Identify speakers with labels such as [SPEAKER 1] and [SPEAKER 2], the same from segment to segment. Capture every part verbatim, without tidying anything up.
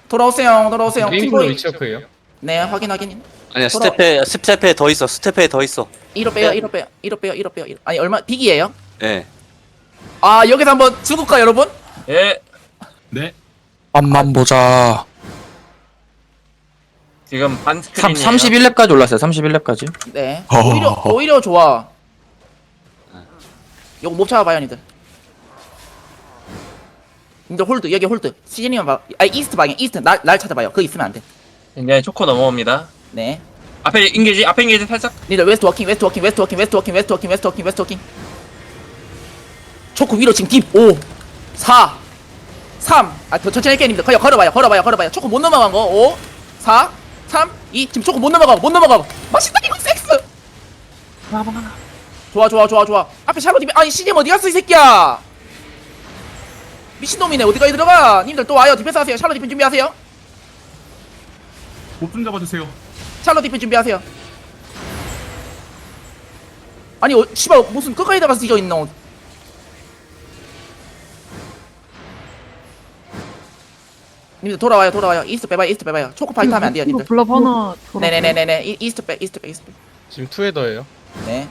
[SPEAKER 1] 돌아오세요 돌아오세요
[SPEAKER 2] 게임플로
[SPEAKER 1] 팀보이
[SPEAKER 2] 위치업이에요.
[SPEAKER 1] 네 확인 확인
[SPEAKER 3] 아니야
[SPEAKER 1] 돌아-
[SPEAKER 3] 스텝에 스텝에 더 있어 스텝에 더 있어.
[SPEAKER 1] 이로 빼요 이로 빼요 이로 빼요 이로 빼요 이로- 아니 얼마 빅이에요?
[SPEAKER 3] 예.
[SPEAKER 1] 아 여기서 한번 죽을까 여러분?
[SPEAKER 4] 예.
[SPEAKER 5] 네.
[SPEAKER 6] 맛만 보자.
[SPEAKER 4] 지금 반 스크린이에요.
[SPEAKER 6] 삼십일 렙까지 올랐어요. 삼십일 렙까지.
[SPEAKER 1] 네
[SPEAKER 6] 어.
[SPEAKER 1] 오히려 오히려 좋아 요거 못 잡아봐요 니들 니들 홀드 여기 홀드 시즌이만 봐 아니 이스트 방향 이스트 날, 날 찾아봐요 그거 있으면 안돼
[SPEAKER 4] 굉장히 초코 넘어옵니다.
[SPEAKER 1] 네
[SPEAKER 4] 앞에 인게지, 앞에 인게지 살짝.
[SPEAKER 1] 니들 웨스트 워킹 웨스트 워킹 웨스트 워킹 웨스트 워킹 웨스트 워킹 웨스트 워킹 웨스트 워킹 초코 위로 지금 딥 오 사 삼 아 더 천천히 할게요 님들 그냥 걸어봐요 걸어봐요 걸어봐요 초코 못 넘어간 거 오 사 삼 이 지금 초코 못 넘어가고 못 넘어가고 맛있다 이거 섹스 좋아 좋아 좋아 좋아 앞에 샬롯 딥 아니 씨디엠 어디 갔어 이 새끼야 미친놈이네 어디까지 들어가 님들 또 와요 디펜스 하세요 샬롯 디펜 준비하세요
[SPEAKER 5] 못 좀 잡아주세요.
[SPEAKER 1] 샬롯 디펜 준비하세요 아니 어, 씨발 무슨 끝까지 들어가서 뒤져있노 님들 돌아와요 돌아와요 이스트 빼봐요 이스트 빼봐요 초코 파이트 하면 안 돼요 님들
[SPEAKER 7] 블랍 하나
[SPEAKER 1] 네네네네네 이- 이스트 빼 이스트 빼 이스트
[SPEAKER 2] 지금 투헤더예요.
[SPEAKER 1] 빼네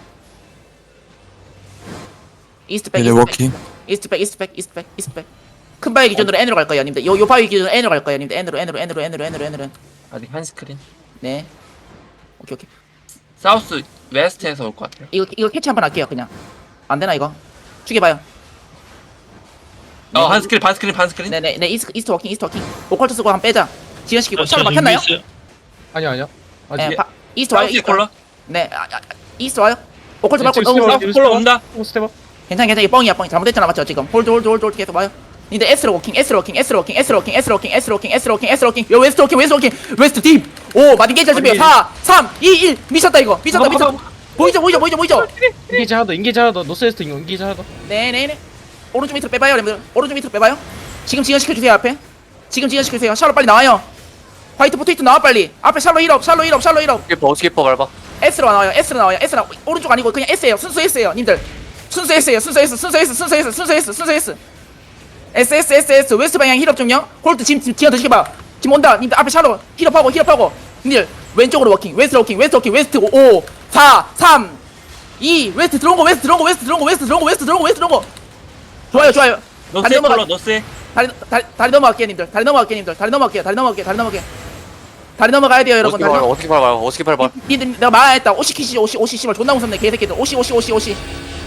[SPEAKER 1] 이스트 빼
[SPEAKER 6] 이제
[SPEAKER 1] 이스트 빼
[SPEAKER 6] 워킹.
[SPEAKER 1] 이스트 백 이스트 백 이스트 백 이스트 백큰 바위 기준으로 N으로 갈 거예요 님들 요, 요 바위 기준으로 N으로 갈 거예요 님들 N으로 N으로 N으로 N으로 N으로 N으로
[SPEAKER 4] 아직 한 스크린.
[SPEAKER 1] 네 오케이 오케이
[SPEAKER 4] 사우스 웨스트에서 올 것 같아요.
[SPEAKER 1] 이거 이거 캐치 한번 할게요 그냥 안 되나 이거 죽여봐요
[SPEAKER 4] 어, 한 스크린, 반 스크린, 반 스크린.
[SPEAKER 1] 네네 네 이스트 이스트 워킹 이스트 워킹 오컬트 쓰고 한번 빼자 지연시키고 샬로 막혔나요?
[SPEAKER 2] 아니요 아니요. 아,
[SPEAKER 1] 네
[SPEAKER 2] 예.
[SPEAKER 1] 바, 이스트 와요
[SPEAKER 4] 사우스
[SPEAKER 1] 이스트 와요
[SPEAKER 4] 콜러.
[SPEAKER 1] 네 아, 아, 이스트 와요 오컬트
[SPEAKER 2] 네,
[SPEAKER 1] 맞고
[SPEAKER 2] 지금
[SPEAKER 1] 너무
[SPEAKER 2] 스텝업,
[SPEAKER 4] 사우스 콜러 온다.
[SPEAKER 2] 스텝업.
[SPEAKER 1] 괜찮아 괜찮아 이게 뻥이야 뻥 잘못했잖아 맞죠 지금 홀드 홀드 홀드 홀드 계속 와요 근데 S로 워킹 S로 워킹 S로 워킹 S로 워킹 S로 워킹 S로 워킹 S로 워킹 S로 워킹 요 웨스트 워킹 웨스트 워킹 웨스트 딥오 마딘 게이지 준비해 사 삼 이 일 미쳤다 이거 미쳤다 미쳤다 보이죠 보이죠 보이죠 보이죠
[SPEAKER 2] 인게이지 하나 더 인게이지 하나 더 노스웨스트 인게이지 하나 더.
[SPEAKER 1] 네네네 오른쪽 밑으로 빼봐요 여러분들 오른쪽 밑으로 빼봐요 지금 지연시켜주세요 앞에 지금 지연시켜주세요 샬로 빨리 나와요 화이트 포테이토 나와 빨리 앞에 샬로 힐업 샬로 힐업 샬로 힐업
[SPEAKER 3] 스키퍼 스키퍼 밟아.
[SPEAKER 1] S로 나와요 S로 나와요 S로 나와 오른쪽 아니고 그냥 S예요 순수 S예요 님들 순수 S예요 순수 S 순수 S 순수 S 순수 S 순수 S S S S S 웨스트 방향 힐업 중요 홀드 지금 지금 지연 드시게봐 지금 온다 님들 앞에 샬로 힐업하고 힐업하고 님들 왼쪽으로 워킹 웨스트 워킹 웨스트 워킹 웨스트 오 사 삼 이 웨스트 들어온 거 웨스트 들어온 거 웨스트 들어온 거 웨스트 들어온 거 웨스트 들어온 거 웨스트 들어온 거 좋아요 좋아요 다리
[SPEAKER 4] 노스에
[SPEAKER 1] 넘어가
[SPEAKER 4] 콜러, 노스에.
[SPEAKER 1] 다리 다리 다리 넘어갈게요 님들 다리 넘어갈게요 님들 다리 넘어갈게요 다리 넘어갈게요 다리 넘어갈게요 다리 넘어가야 돼요 여러분
[SPEAKER 3] 어떻게
[SPEAKER 1] 다리
[SPEAKER 3] 밟아
[SPEAKER 1] 넘어
[SPEAKER 3] 어떻게 밟아 어떻게 밟아.
[SPEAKER 1] 니들 내가 말했다 오시 키시 오시 오시 씨발 존나 무섭네 개새끼들 오시 오시 오시 오시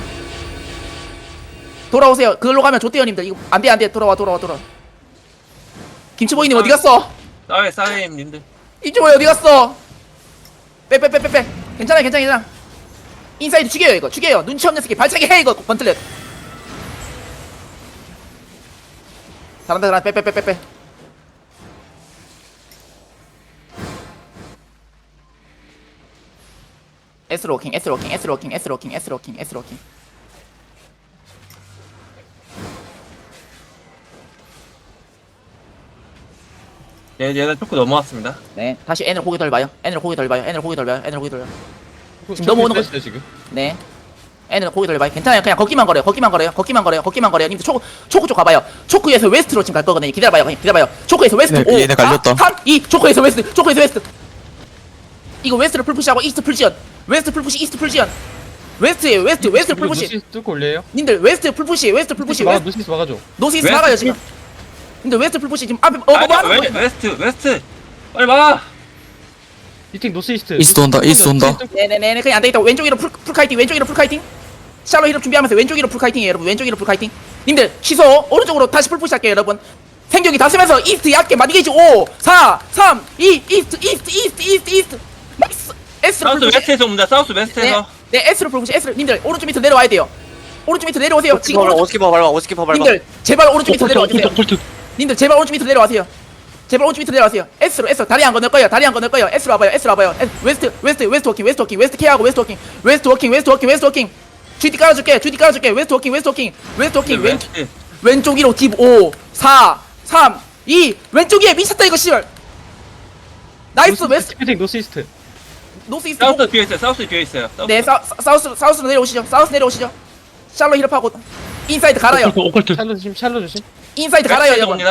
[SPEAKER 1] 돌아오세요 그걸로 가면 좋대요 님들 이거 안돼 안돼 돌아와 돌아와 돌아와 김치보이님 어디 갔어
[SPEAKER 4] 사회, 사회임 님들.
[SPEAKER 1] 김치보이 어디 갔어 빼 빼 빼 빼빼 괜찮아 괜찮아 괜찮아 인사이드 죽여요 이거 죽여요 눈치 없는 새끼 발차기 해 이거 번틀렛 잘한다 잘한다 빼 빼 빼 빼빼 S로 워킹 S로 워킹 S로 워킹 S로 워킹 S로 워킹 S로 워킹
[SPEAKER 4] 얘, 얘는 초코 넘어왔습니다.
[SPEAKER 1] 네 다시 N으로 고개 돌봐요 N으로 고개 돌봐요 N으로 고개 돌봐요 N으로 고개 돌봐요 지금 넘어오는 거-
[SPEAKER 2] 거. 지금.
[SPEAKER 1] 네 N으로 고개 돌봐요 괜찮아요 그냥 걷기만 걸어요 걷기만 걸어요 걷기만 걸어요 걷기만 걸어요 님들 초코 초코 쪽 가봐요 초코에서 웨스트로 지금 갈 거거든요 기다려봐요 그냥 기다려봐요 초코에서 웨스트
[SPEAKER 6] 얘네- 얘네 갈렸다.
[SPEAKER 1] 삼 이 초코에서 웨스트 초코에서 웨스트 이거 웨스트를 풀푸시하고 이스트 풀지연 웨스트 풀푸시 이스트 풀지연 웨스트에요 웨스트 웨스트 풀푸시
[SPEAKER 2] 노스웨스트 뚫고 올려요.
[SPEAKER 1] 님들 웨스트 풀푸시 웨스트 풀푸시
[SPEAKER 2] 막
[SPEAKER 1] 웨스트
[SPEAKER 2] 노스웨스트 막아줘.
[SPEAKER 1] 노스이스트
[SPEAKER 4] 웨스트
[SPEAKER 1] 나가요 지금 님들 웨스트 풀푸시 지금 앞에 어뭐
[SPEAKER 4] 아니,
[SPEAKER 1] 하는
[SPEAKER 4] 웨,
[SPEAKER 1] 거예요
[SPEAKER 4] 웨스트, 웨스트. 빨리 와.
[SPEAKER 2] 이팅 노스이스트.
[SPEAKER 6] 이스트 온다, 이스트 온다.
[SPEAKER 1] 네네네 그냥 안되겠다 왼쪽 위로 풀, 풀카이팅 왼쪽 위로 풀카이팅 샬로 힐업 준비하면서 왼쪽 위로 풀카이팅이에요 여러분 왼쪽 위로 풀카이팅 님들 취소 오른쪽으로 다시 풀푸시 할게요 여러분 생격이 다 쓰면서 이스트 얕게 마디게이지 오 사 삼 이 이스트 이스트 이스트 이스트 이스트 나이스 S로
[SPEAKER 4] 사우스
[SPEAKER 1] 풀푸시
[SPEAKER 4] 웨스트에서 옵니다. 사우스
[SPEAKER 1] 네,
[SPEAKER 4] 웨스트에서.
[SPEAKER 1] 네 S로 풀푸시 S로 님들 오른쪽 밑으로 내려와야 돼요 오른쪽 밑으로 내려오세요 지금 오른쪽
[SPEAKER 3] 어스키퍼 밟아 어스키퍼 밟아.
[SPEAKER 1] 님들 제발 오른쪽 밑으로 내려와주세요 님들 제발 오른쪽 밑으로 내려와세요 제발 오른쪽 밑으로 내려와세요 S로 S 다리 안 건널 거예요 다리 안 건널 거예요 S로 와봐요 S로 와봐요 S, 웨스트 웨스트 웨스트 워킹 웨스트 워킹 웨스트 케어하고 웨스트 워킹 웨스트 워킹 웨스트 워킹 웨스트 워킹 쥐디 깔아줄게 쥐디 깔아줄게 웨스트 워킹 웨스트 워킹 웨스트 워킹 왼,
[SPEAKER 4] 웨스트.
[SPEAKER 1] 왼쪽 위로 딥 오 사 삼 이 왼쪽 위에 미쳤다 이거 씨발 나이스 웨스트
[SPEAKER 2] 스피팅 노스이스트.
[SPEAKER 1] 노스 이스트
[SPEAKER 4] 사우스 비어 있어요. 사우스 비어 있어요. 사우스.
[SPEAKER 1] 네 사, 사, 사우스 사우스로 내려오시죠 사우스 내려오시죠 샬로 힐업하고 인사이드 갈아요
[SPEAKER 2] 샬롯 조심 샬롯 조심.
[SPEAKER 1] 인사이드 갈아요
[SPEAKER 4] 웨스트에서
[SPEAKER 1] 여러분
[SPEAKER 4] 옵니다.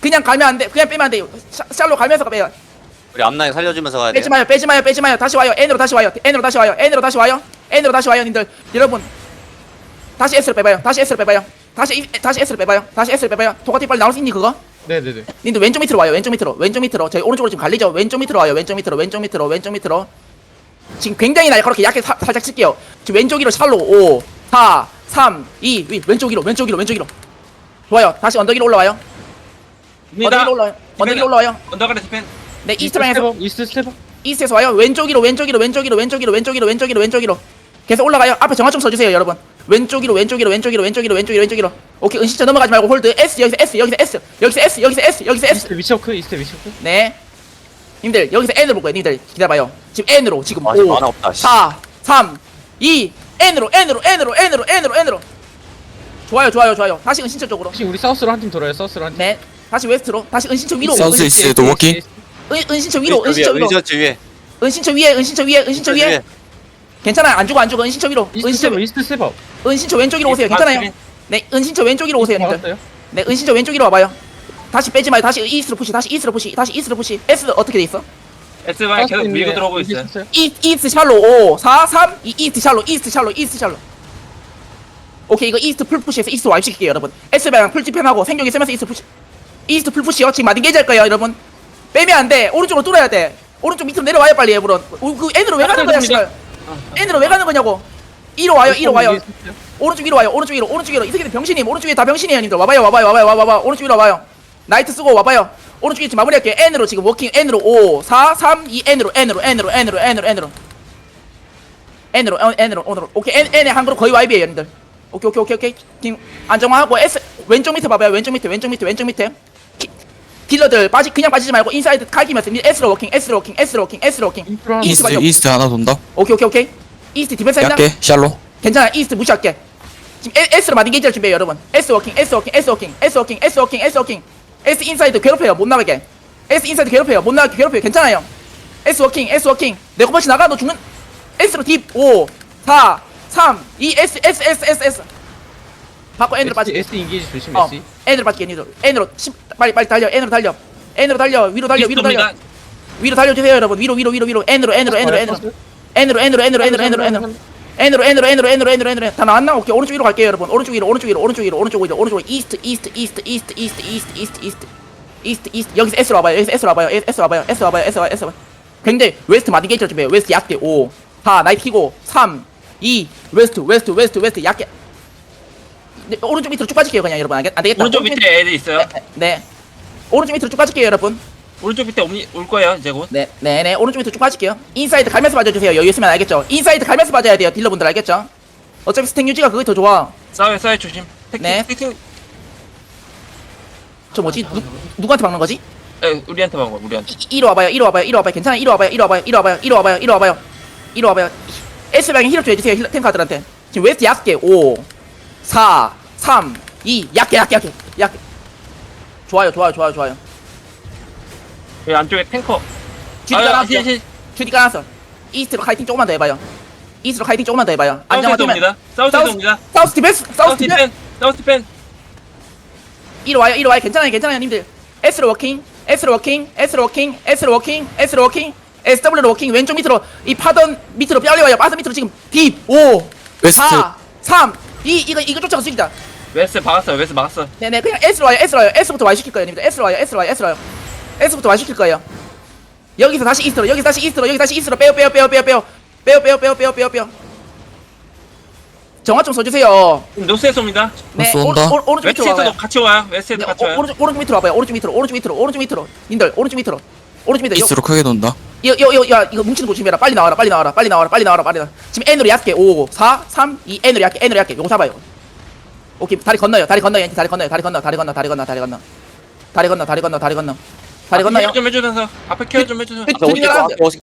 [SPEAKER 1] 그냥 가면 안 돼. 그냥 빼면 안 돼. 샬- 샬로 가면서 빼요.
[SPEAKER 3] 우리 앞라인 살려주면서 가야 돼.
[SPEAKER 1] 빼지 마요. 빼지 마요. 빼지 마요. 다시 와요. N으로 다시 와요. N으로 다시 와요. N으로 다시 와요. N으로 다시 와요, 님들. 여러분. 다시 S를 빼봐요. 다시 S를 빼봐요. 다시 이- 다시 S를 빼봐요. 다시 S를 빼봐요. 도가티 빨리 나올 수 있니 그거?
[SPEAKER 2] 네네네.
[SPEAKER 1] 님들 왼쪽 밑으로 와요. 왼쪽 밑으로. 왼쪽 밑으로. 저희 오른쪽으로 지금 갈리죠. 왼쪽 밑으로 와요. 왼쪽 밑으로. 왼쪽 밑으로. 왼쪽 밑으로. 지금 굉장히 날카롭게 약게 사, 살짝 칠게요. 지금 왼쪽 위로 샬로 오, 사, 삼, 이, 위. 왼쪽 위로. 왼쪽 위로. 왼쪽 위로. 좋아요. 다시 언덕 위로 올라와요. 언덕 위로 올라와요. 언덕 위로 올라와요.
[SPEAKER 4] 언더가드 스펜.
[SPEAKER 1] 네, 이스트 방에서
[SPEAKER 2] 스텝업, 이스트 스텝업.
[SPEAKER 1] 이스트에서 와요. 왼쪽 위로. 왼쪽 위로. 왼쪽 위로. 왼쪽 위로. 왼쪽 위로. 왼쪽 위로. 왼쪽 위로. 계속 올라가요. 앞에 정화 좀 써주세요, 여러분. 왼쪽 위로. 왼쪽 위로. 왼쪽 위로. 왼쪽 위로. 왼쪽 위로. 왼쪽 위로. 오케이. 은신처 넘어가지 말고 홀드. S 여기서 S 여기서 S 여기서 S 여기서 S 여기서 S.
[SPEAKER 2] 이스트 위쳐크, 이스트 위쳐크.
[SPEAKER 1] 네. 님들 여기서 N으로 볼 거예요. 님들 기다려봐요. 지금 N으로 지금
[SPEAKER 3] 아,
[SPEAKER 1] 오,
[SPEAKER 3] 만화 없다, 씨.
[SPEAKER 1] 사, 삼, 이, N으로 N으로 N으로 N으로 N으로 N으로. 좋아요, 좋아요, 좋아요. 다시 은신처 쪽으로.
[SPEAKER 2] 혹시 우리 사우스로 한 팀 돌아요, 사우스로 한 팀.
[SPEAKER 1] 네. 다시 웨스트로. 다시 은신처 위로.
[SPEAKER 6] 사우스
[SPEAKER 1] 은,
[SPEAKER 6] 이스트 워킹.
[SPEAKER 1] 은, 은신처 위로.
[SPEAKER 3] 위에,
[SPEAKER 1] 은신처 위로.
[SPEAKER 3] 의지어치 위에.
[SPEAKER 1] 은신처 위에. 은신처 위에. 은신처 위에. 괜찮아요. 안 죽어 안 죽어. 은신처 위로.
[SPEAKER 2] 이스트
[SPEAKER 1] 은신처
[SPEAKER 2] 스텝업, 이스트 스텝업.
[SPEAKER 1] 은신처 왼쪽 위로 오세요. 괜찮아요. 네. 은신처 왼쪽 위로 오세요, 님들.
[SPEAKER 2] 막았어요?
[SPEAKER 1] 네. 은신처 왼쪽 위로 와봐요. 다시 빼지 마요. 다시 이스트로 푸시. 다시 이스트로 푸시. 다시 이스트로 푸시. S 어떻게 돼 있어?
[SPEAKER 4] S 방에 계속 밀고 들어오고
[SPEAKER 2] 이스트
[SPEAKER 4] 있어요.
[SPEAKER 2] 스텝업.
[SPEAKER 1] 이, 이스트 샬로 오, 사, 삼, 이, 이스트 샬로, 이스트 샬로, 이스트 샬로. 오케이, 이거 이스트 풀 푸시에서 이스트 와입 시킬게요, 여러분. S 방향 풀 집행하고 생존기 쓰면서 이스트 푸시. 이스트 풀 푸시요. 지금 마딘 게이지 할 거예요, 여러분. 빼면 안 돼. 오른쪽으로 뚫어야 돼. 오른쪽 밑으로 내려와요, 빨리, 여러분. 오, 그 N으로 왜 가는 거야, 씨발. N으로 왜 가는 거냐고. 이로 와요, 이로 와요. 오른쪽 위로 와요, 오른쪽 위로, 오른쪽 위로. 이 새끼들 병신임, 오른쪽 위에 다 병신이에요, 님들. 와봐요, 와봐요, 와봐요, 와봐요. 오른쪽 위로 와봐요. 나이트 쓰고 와봐요. 오른쪽 위에 지금 마무리할게요. N으로 지금 워킹, N으로 오, 사, 삼, 이, N으로, N으로, N으로, N으로, N으로, N으로. N으로, 어, N으로, 오늘로. 오케이, N, N의 한그룹 거의 와이비에요, 여러분들. 오케이, 오케이, 오케이, 오케이. 지금 안정화하고 S, 왼쪽 밑에 봐봐요. 왼쪽 밑에, 왼쪽 밑에, 왼쪽 밑에. 키, 딜러들 빠지, 그냥 빠지지 말고 인사이드 갈기면서 S로 워킹, S로 워킹, S로 워킹, S로 워킹.
[SPEAKER 2] 인프라.
[SPEAKER 1] 이스트
[SPEAKER 6] 이스트
[SPEAKER 1] 방향.
[SPEAKER 6] 이스트 하나 돈다.
[SPEAKER 1] 오케이, 오케이, 오케이. 이스트 디펜스 했나?
[SPEAKER 6] 약게 샬로.
[SPEAKER 1] 괜찮아, 이스트 무시할게. 지금 에- S로 마딘 게이지를 준비해요, 여러분. S 워킹, S 워킹, S 워킹, S 워킹, S 워킹, S 워킹. S 인사이드 괴롭혀요, 못 나가게. S 인사이드 괴롭혀요, 못 나가게 괴롭혀요. 괜찮아요. S 워킹, S 워킹. 내 코버치 나가, 너 죽는. S로 딥 오, 사, 삼, 이, S, S, S, S, S. 바꿔 N으로 빠지.
[SPEAKER 2] S 인게이지 조심,
[SPEAKER 1] 어,
[SPEAKER 2] S.
[SPEAKER 1] N으로 빠지게, N으로. N으로, 십, 빨리, 빨리 달려, N으로 달려. N으로 달려, 위로 달려, 위로 달려. 위로 달려주세요, 여러분. 위로, 위로, 위로, 위로. N으로, N으로, N으로, N으로. N으로, N으로, N으로, N으로, N으로, N으로. N으로, N으로, N으로, N으로, N으로, N으로. 다 나왔나? 오케이, 오른쪽 위로 갈게요, 여러분. 오른쪽 위로, 오른쪽 위로, 오른쪽 위로, 오른쪽 위로, 오른쪽 위로. 이스트, 이스트, 이스트, 이스트, 이스트, 이스트, 이스트, 이스트. 이스트, 이스트. 여기서 S로 와봐요. 여기서 S로 와봐요. S 와봐요. S 와봐요. S 와봐요. S 와봐요. 굉장히 웨스트 마딘 게이지를 준비해요. 웨스트 약대 오, 사, 나이트 키고 삼, 이, 웨스트, 웨스트, 웨스트, 웨스트 약게. 네, 오른쪽 밑으로 쭉 빠질게요, 그냥 여러분. 안 되겠다.
[SPEAKER 4] 오른쪽 밑에 애들 있어요.
[SPEAKER 1] 네, 네. 오른쪽 밑으로 쭉 빠질게요, 여러분.
[SPEAKER 4] 오른쪽 밑에 옴니 올 거예요 이제 곧.
[SPEAKER 1] 네, 네, 네. 오른쪽 밑으로 쭉 빠질게요. 인사이드 갈면서 빠져주세요. 여유 있으면 알겠죠? 인사이드 갈면서 빠져야 돼요, 딜러분들 알겠죠? 어차피 스택 유지가 그게 더 좋아.
[SPEAKER 4] 싸워요 싸워요 조심. 택,
[SPEAKER 1] 네.
[SPEAKER 4] 택, 택,
[SPEAKER 1] 저 뭐지? 누, 누구한테 박는 거지?
[SPEAKER 4] 에, 우리한테 막어 우리한테.
[SPEAKER 1] 이, 이리 와봐요, 이리 와봐요, 이리 와봐요. 괜찮아, 이리 와봐요, 이리 와봐요, 이리 와봐요, 이리 와봐요, 이리 와봐요, 이리 와봐요. S 방에 힐업 좀 해주세요, 힐, 탱카들한테. 지금 웨스트 약게 오, 사, 삼, 이, 약게, 약게, 약게, 약게. 좋아요, 좋아요, 좋아요, 좋아요.
[SPEAKER 4] 여기 안쪽에 탱커.
[SPEAKER 1] 쥐디
[SPEAKER 4] 아,
[SPEAKER 1] 깔았어.
[SPEAKER 4] 실, 실.
[SPEAKER 1] 쥐디 깔았어. 이스트로 카이팅 조금만 더 해봐요. 이스트로 카이팅 조금만 더 해봐요.
[SPEAKER 4] 사우스에서
[SPEAKER 1] 안정화 뛰면.
[SPEAKER 4] 옵니다. 사우스에서 옵니다.
[SPEAKER 1] 사우스 디펜스, 사우스
[SPEAKER 4] 사우스
[SPEAKER 1] 디펜스.
[SPEAKER 4] 디펜. 사우스 디펜.
[SPEAKER 1] 이리 와요, 이리 와요. 괜찮아요, 괜찮아요, 님들. S로 워킹, S로 워킹, S로 워킹, S로 워킹, S로 워킹, 에스더블유로 워킹. 왼쪽 밑으로 이 파던 밑으로 빨리 와요. 파던 밑으로 지금 딥 오,
[SPEAKER 6] 웨스트.
[SPEAKER 1] 사, 삼, 이 이거 이거 쫓아가 죽이자.
[SPEAKER 4] 웨스 박았어요. 웨스 막았어.
[SPEAKER 1] 네네, 그냥 S로 와요, S로 와요. S부터 Y 시킬 거예요, 님들. S로 와요, S로 와요, S로 와요. S부터 Y 시킬 거예요. 여기서 다시 이스트로, 여기서 다시 이스트로, 여기 다시 이스트로 빼요, 빼요, 빼요, 빼요, 빼요, 빼요, 빼요, 빼요, 빼요, 빼요, 빼요. 정화 좀 써주세요.
[SPEAKER 4] 노스에서 옵니다.
[SPEAKER 1] 네,
[SPEAKER 6] 노스
[SPEAKER 1] 오,
[SPEAKER 6] 온다.
[SPEAKER 1] 오, 오른쪽 밑으로 와봐요.
[SPEAKER 4] 웨스트에서도 같이 와요. 웨스트에도
[SPEAKER 1] 네,
[SPEAKER 4] 같이
[SPEAKER 1] 오,
[SPEAKER 4] 와요.
[SPEAKER 1] 오른쪽 오른쪽 밑으로 와봐요. 오른쪽 밑으로, 오른쪽 밑으로, 오른쪽 밑으로, 님들 오른쪽 밑으로, 오른쪽 밑으로.
[SPEAKER 6] 이스트로 크게 돈다.
[SPEAKER 1] 이거 이거 이거 야 이거 뭉치는 거 조심해라. 빨리 나와라, 빨리 나와라, 빨리 나와라, 빨리 나와라, 빨리 나와. 지금 N으로 얕게 오, 사, 삼, 이 N으로 얕게, N으로 얕게. 요거 잡아요. 오케이, 다리 건너요, 다리 건너요, 다리 건너요, 다리 건너, 다리 건너, 다리 건너, 다리 건너, 다리 건너, 다리 건너, 다리 건너, 다리 건너, 다리 건너요.
[SPEAKER 4] 좀 해주면서 앞에 케어 좀 해주세요.
[SPEAKER 1] 그-
[SPEAKER 3] 앞에 오십 개, 앞에 오십 개.